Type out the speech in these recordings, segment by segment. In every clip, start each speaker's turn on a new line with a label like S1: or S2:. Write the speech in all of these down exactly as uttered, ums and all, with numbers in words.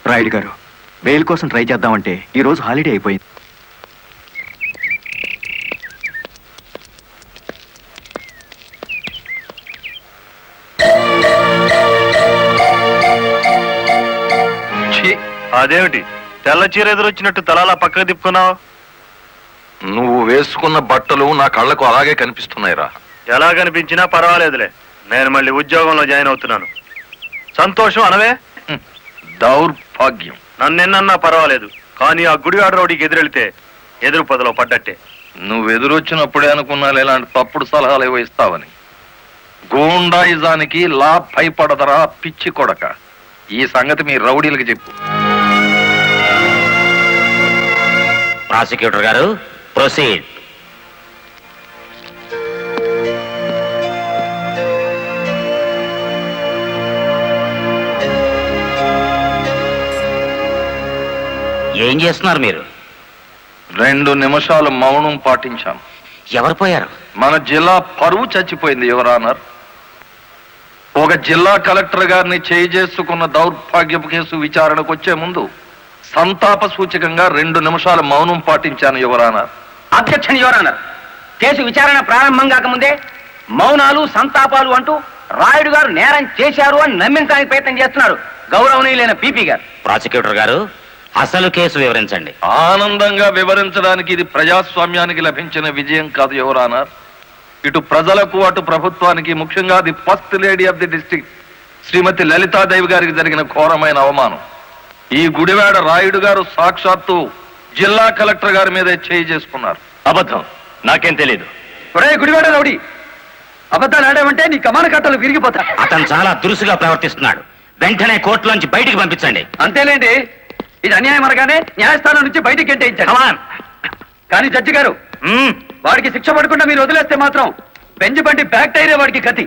S1: రాయుడు గారు, బెయిల్ కోసం ట్రై చేద్దామంటే ఈ రోజు హాలిడే అయిపోయింది.
S2: అదేమిటి తెల్ల చీర ఎదురొచ్చినట్టు తలాలా పక్కకు తిప్పుకున్నావు?
S3: నువ్వు వేసుకున్న బట్టలు నా కళ్ళకు అలాగే కనిపిస్తున్నాయిరా.
S2: ఎలా కనిపించినా పర్వాలేదులే, నేను మళ్ళీ ఉద్యోగంలో జాయిన్ అవుతున్నాను. సంతోషం అనవే.
S3: దౌర్భాగ్యం.
S2: నన్నెన్నన్నా పర్వాలేదు, కానీ ఆ గుడివాడ రౌడీకి ఎదురెళ్తే ఎదురు పదలో పడ్డట్టే.
S3: నువ్వు ఎదురొచ్చినప్పుడే అనుకున్నా ఇలాంటి తప్పుడు సలహాలు ఏవో ఇస్తావని. గూండాయిజానికి లా భయపడదరా పిచ్చి కొడక. ఈ సంగతి మీ రౌడీలకు చెప్పు.
S4: ప్రాసిక్యూటర్ గారు, ప్రొసీడ్. ఏం చేస్తున్నారు మీరు?
S3: రెండు నిమిషాలు మౌనం పాటించాను.
S4: ఎవరు పోయారు?
S3: మన జిల్లా పరువు చచ్చిపోయింది యువరానర్. ఒక జిల్లా కలెక్టర్ గారిని చేయి చేసుకున్న దౌర్భాగ్యపు కేసు విచారణకు వచ్చే ముందు సంతాప సూచకంగా రెండు నిమిషాల మౌనం పాటించాను యువరానర్.
S5: Objection your honour. కేసు విచారణ ప్రారంభం కాకముందే మౌనాలు సంతాపాలు అంటూ రాయుడు గారు నేరం చేశారు అని నమ్మించడానికి ప్రయత్నం చేస్తున్నారు గౌరవనీయులైన పీపీ గారు.
S4: ప్రాసిక్యూటర్ గారు, అసలు కేసు వివరించండి.
S3: ఆనందంగా వివరించడానికి ఇది ప్రజాస్వామ్యానికి లభించిన విజయం కాదు యువరానర్. ఇటు ప్రజలకు అటు ప్రభుత్వానికి, ముఖ్యంగా the first lady of the district Shrimati Lalitadevi గారికి జరిగిన ఘోరమైన అవమానం. ఈ గుడివాడ రాయుడు గారు సాక్షాత్తు జిల్లా కలెక్టర్ గారి మీదే చేయి చేసుకున్నారు.
S2: అబద్ధం, నాకేం తెలియదు.
S5: గుడివాడ రౌడీ, అబద్ధాలు ఆడామంటే నీ కమాన కట్టలు విరిగిపోతా.
S4: అతను చాలా దురుసుగా ప్రవర్తిస్తున్నాడు. వెంటనే కోర్టులోంచి బయటికి పంపించండి.
S5: అంతేలేండి, ఇది అన్యాయం అనగానే న్యాయస్థానం నుంచి బయటికి గెంటేయించాడు. కానీ జడ్జి గారు, వాడికి శిక్ష పడకుండా మీరు వదిలేస్తే మాత్రం బెంచ్ బండి బ్యాక్ టైరే వాడికి గతి.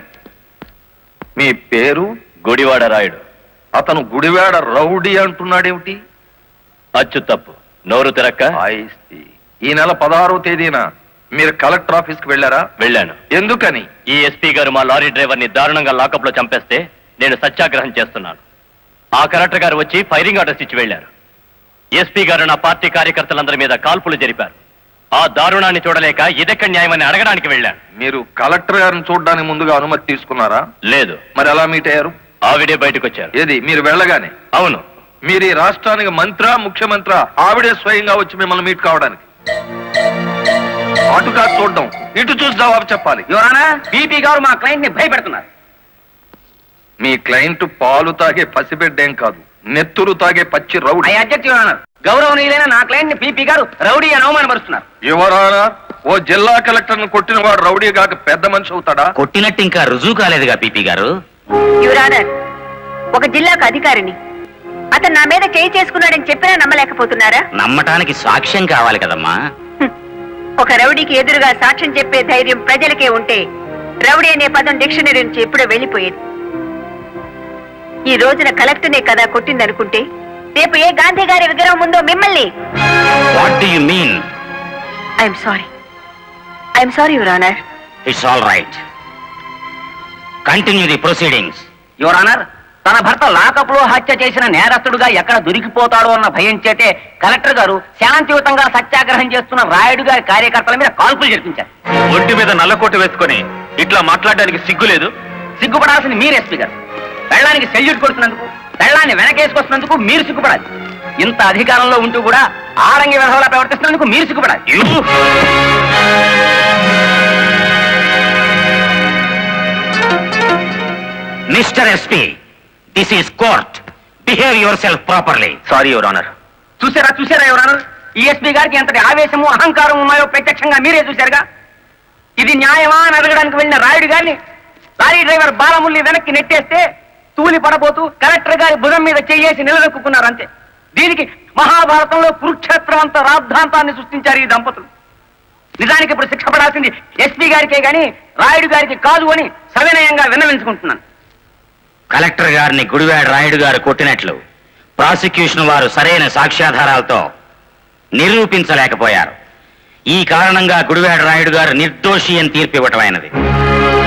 S3: మీ పేరు?
S2: గుడివాడ రాయుడు.
S3: అతను గుడివాడ రౌడీ అంటున్నాడేమిటి?
S2: అచ్చు తప్పు, నోరు తిరక్క.
S3: ఈ నెల పదహారవ తేదీన మీరు కలెక్టర్ ఆఫీస్ కి వెళ్ళారా?
S2: వెళ్ళాను.
S3: ఎందుకని?
S2: ఈ ఎస్పీ గారు మా లారీ డ్రైవర్ ని దారుణంగా లాకప్ లో చంపేస్తే నేను సత్యాగ్రహం చేస్తున్నాను. ఆ కలెక్టర్ గారు వచ్చి ఫైరింగ్ ఆర్డర్స్ ఇచ్చి వెళ్లారు. ఎస్పీ గారు నా పార్టీ కార్యకర్తలందరి మీద కాల్పులు జరిపారు. ఆ దారుణాన్ని చూడలేక ఇదెక్కడ న్యాయమని అడగడానికి వెళ్ళాను.
S3: మీరు కలెక్టర్ గారిని చూడడానికి ముందుగా అనుమతి తీసుకున్నారా?
S2: లేదు.
S3: మరి ఎలా మీట్ అయ్యారు?
S2: ఆవిడే బయటకు వచ్చారు.
S3: ఏది, మీరు వెళ్ళగానే?
S2: అవును.
S3: మీరు ఈ రాష్ట్రానికి మంత్రా, ముఖ్యమంత్రి? ఆవిడే స్వయంగా వచ్చి మిమ్మల్ని మీట్ కావడానికి? అటు కాదు చూడడం, ఇటు చూసి జవాబు చెప్పాలి.
S5: యువరానా, పీపీ గారు మా క్లయింట్ ని భయపెడుతున్నారు.
S3: మీ క్లయింట్ పాలు తాగే పసిబిడ్డేం కాదు, నెత్తురు తాగే పచ్చి రౌడీ.
S5: I object your honour. గౌరవనీయులైన నా క్లయింట్ ని పీపీ గారు రౌడీ అని అవమానపరుస్తున్నారు.
S3: యువరానా, ఓ జిల్లా కలెక్టర్ ను కొట్టిన వాడు రౌడీ కాక పెద్ద మనిషి అవుతాడా?
S4: కొట్టినట్టు ఇంకా రుజువు కాలేదుగా పీపీ గారు.
S6: యువరానర్, ఒక జిల్లాకు అధికారిని అతను నా మీద చేయి చేసుకున్నాడని చెప్పినా నమ్మలేకపోతున్నారా?
S4: నమ్మటానికి సాక్ష్యం కావాలి కదమ్మా.
S6: ఒక రౌడీకి ఎదురుగా సాక్ష్యం చెప్పే ధైర్యం ప్రజలకే ఉంటే రౌడీ అనే పదం డిక్షనరీ నుంచి ఎప్పుడో వెళ్ళిపోయేది. ఈ రోజున కలెక్టర్నే కదా కొట్టిందనుకుంటే రేపు ఏ గాంధీ గారి విగ్రహం ఉందో మిమ్మల్ని.
S4: What do you mean?
S6: I'm sorry, I'm sorry your honour.
S4: It's all right, continue the proceedings.
S5: Your honour, తన భర్త లాకప్ లో హత్య చేసిన నేరస్తుడుగా ఎక్కడ దొరికిపోతాడో అన్న భయం చేతే కలెక్టర్ గారు శాంతియుతంగా సత్యాగ్రహం చేస్తున్న రాయుడు గారి కార్యకర్తల మీద కాల్పులు జరిపించారు.
S2: ఒంటి మీద నల్లకోట వేసుకొని ఇట్లా మాట్లాడడానికి సిగ్గు లేదు?
S5: సిగ్గుపడాల్సింది మీరు ఎస్పీ గారు. పెళ్ళానికి సెల్యూట్ కొడుతున్నందుకు, పెళ్ళాన్ని వెనకేసుకొస్తున్నందుకు మీరు సిగ్గుపడాలి. ఇంత అధికారంలో ఉంటూ కూడా ఆడంగి విధవలా ప్రవర్తిస్తున్నందుకు మీరు సిగ్గుపడాలి.
S4: Mister SP, this is court. Behave yourself properly.
S2: Sorry your honour.
S5: చూసారా చూసారా యువర్ ఆనర్, ఈ ఎస్పీ గారికి ఎంతటి ఆవేశము అహంకారం ఉన్నాయో ప్రత్యక్షంగా మీరే చూశారుగా. ఇది న్యాయమా అని అడగడానికి వెళ్ళిన రాయుడు గారిని లారీ డ్రైవర్ బాలముల్లి వెనక్కి నెట్టేస్తే తూలి పడబోతూ కలెక్టర్ గారి భుజం మీద చెయ్యేసి నిలదొక్కున్నారు అంతే. దీనికి మహాభారతంలో కురుక్షేత్రం అంత రాద్ధాంతాన్ని సృష్టించారు ఈ దంపతులు. నిజానికి ఇప్పుడు శిక్ష పడాల్సింది ఎస్పీ గారికే గాని రాయుడు గారికి కాదు అని సవినయంగా విన్నవించుకుంటున్నాను.
S4: కలెక్టర్ గారిని గుడివాడ రాయుడు గారు కొట్టినట్లు ప్రాసిక్యూషన్ వారు సరైన సాక్ష్యాధారాలతో నిరూపించలేకపోయారు. ఈ కారణంగా గుడివాడ రాయుడు గారు నిర్దోషి అని తీర్పు ఇవ్వటమైనది.